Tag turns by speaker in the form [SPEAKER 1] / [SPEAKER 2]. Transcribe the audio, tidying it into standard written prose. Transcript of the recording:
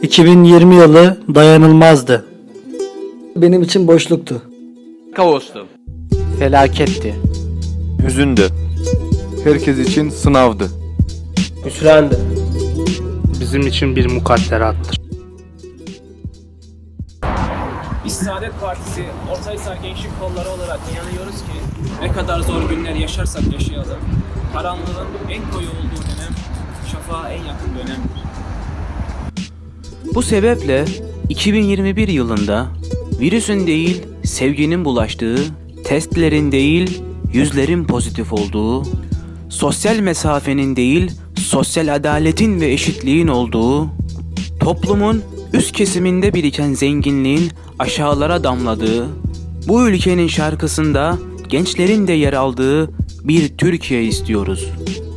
[SPEAKER 1] 2020 yılı dayanılmazdı.
[SPEAKER 2] Benim için boşluktu.
[SPEAKER 3] Kaostu.
[SPEAKER 4] Felaketti.
[SPEAKER 5] Hüzündü. Herkes için sınavdı.
[SPEAKER 6] Hüsrandı.
[SPEAKER 1] Bizim için bir mukadderattır.
[SPEAKER 7] Biz Saadet Partisi Ortahisar Gençlik Kolları olarak inanıyoruz ki ne kadar zor günler yaşarsak yaşayalım, karanlığın en koyu olduğu dönem, şafağa en yakın dönemdir.
[SPEAKER 8] Bu sebeple 2021 yılında virüsün değil sevginin bulaştığı, testlerin değil yüzlerin pozitif olduğu, sosyal mesafenin değil sosyal adaletin ve eşitliğin olduğu, toplumun üst kesiminde biriken zenginliğin aşağılara damladığı, bu ülkenin şarkısında gençlerin de yer aldığı bir Türkiye istiyoruz.